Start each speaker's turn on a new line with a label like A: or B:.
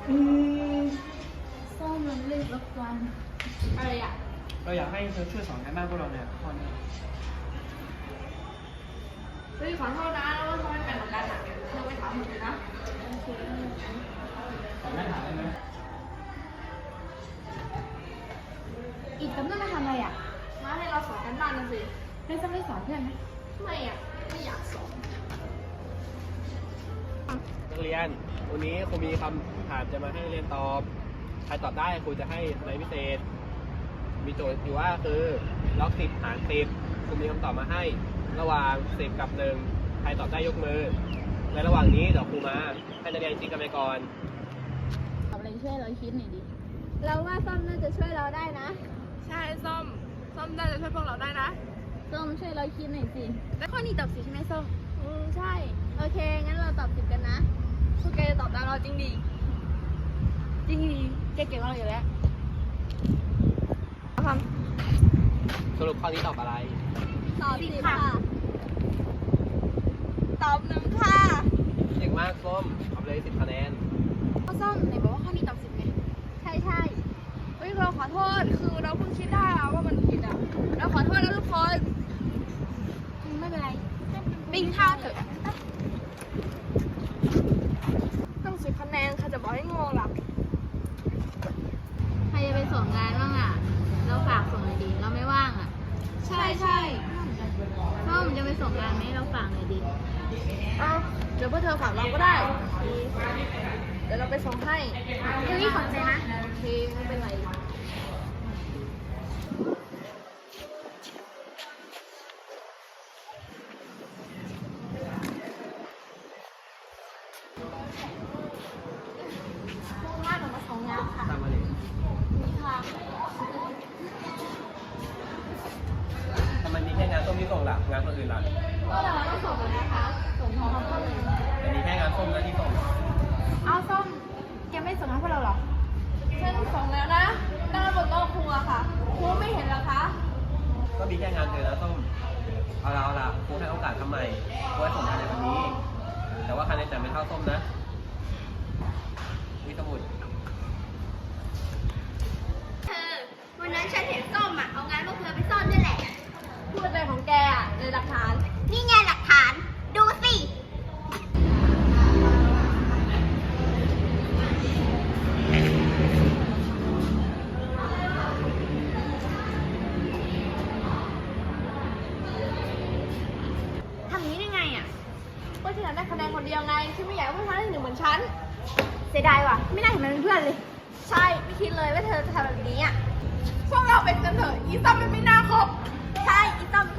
A: อืมส้มมันรีบรบกวนอะไรอ่ะ
B: เราอยากให้เธอช่วยสอนการบ้านพวกเราเนี่ยข้อนี้
A: เฮ้ยขอโทษนะแล้วว่าทำไมเป็นเหมือนกันอ่ะเธอไปถามหนูนะโอเค
B: สอนไม่ถามได้ไหม
A: อีกกำลังมาทำอะไรอ่ะมาให้เราสอนกันบ้านกันสิให้ส้มได้สอนเพื่อนไหมไม่อ่ะไม่อยากสอน
B: นักเรียนวันนี้ครูมีคำถามจะมาให้นักเรียนตอบใครตอบได้ครูจะให้คะแนนพิเศษมีโจทย์อยู่ว่าคือล็อก10หาร10ครูมีคำตอบมาให้ระหว่าง10กับ1ใครตอบได้ยกมือในระหว่างนี้เดี๋ยวครูมาให้นักเรียนคิดกันไปก่อน
A: ทำอะไรช่วยเราคิดหน่อยดิเราว่าส้มน่าจะช่วยเราได้นะ
C: ใช่ส้มน่าจะช่วยพวกเราได้นะ
A: ส้มช่วยเราคิดหน่อยสิ
C: แล้วข้อนี้ตอบสิใช่ไหมส้ม
A: ใช่โอเคงั้นเราตอบ10กันนะ
C: พวกแกจะตอบได้เราจริงดีแกเก่งมากอยู่แล้วท
B: สรุปข้อนี้ตอบอะไร
A: ตอบ10ค่ะ
C: ำตอบ1ค่ะ
B: เก่งมากส้มเอาไปเลย10คะแนน
C: ข้อส้มไหนบอกว่าข้อนี้ตอบ10ไง
A: ใช่
C: เฮ้ยเราขอโทษคือเราเพิ่งคิดได้อะว่ามันผิดอ่ะเราขอโทษนะทุกคน
A: ไม่เป็นไร
C: ไปกินข้าวเถอะต้อง10คะแนนค่ะจะบอกให้งงหรอ
A: ใครจะไปส่งงานบ้างอ่ะเราฝากส่งหน่อยดิเราไม่ว่างอ่ะ
C: ใช่
A: ส้มจะไปส่งงานไหมเราฝากหน่อยดิ
C: เอาเดี๋ยวพวกเธอฝากเราก็ได้ เดี๋ยวเราไปส่งให้
A: เฮ้ยขอบใจนะ
C: โอเคไม่เป็นไร
A: มุ่งหน้ากับมาส่งงานค่ะ
B: ตามมาเลย
A: นี่ค่ะ
B: ทำไมมีแค่งานส้มที่ส่งล่ะงานคนอื่นล่ะ
A: ก็เราต้องส่งกันนะคะส่งพร้อมกันเลย
B: แต่มีแค่งานส้มนะที่ส่ง
A: เอาส้มแกไม่ส่งให้พวกเราหรอ
C: ฉันส่งแล้วนะตั้งบนโต๊ะครูอะค่ะ ครูไม่เห็นเหรอคะ
B: ก็มีแค่งานเธอนะส้มเอาล่ะครูให้โอกาสทำใหม่ครูให้ส่งงานในวันนี้ แต่ว่าคะแนนจะไม่เท่าส้มนะมีสมุด
D: วันนั้นฉันเห็นส้มอ่ะ เอางานพวกเธอไปซ่อนด้วยแหละ
C: พูดอะไรของแกอะในหลักฐาน
D: นี่ไงหลักฐาน ดูสิ
C: ทำนี้ได้ไงอ่ะก็ฉันอยากได้คะแนนคนเดียวไง ฉันไม่อยากให้พวกเธอได้1เหมือนฉัน
A: เสียดายว่ะ ไม่น่าเห็นมันเป็นเพื่อนเลย
C: ใช่ ไม่คิดเลยว่าเธอจะทำแบบนี้อ่ะ พวกเราเป็นกันเถอะ อีซ้อมมันไม่น่าคบ ใช่ อีซ้อม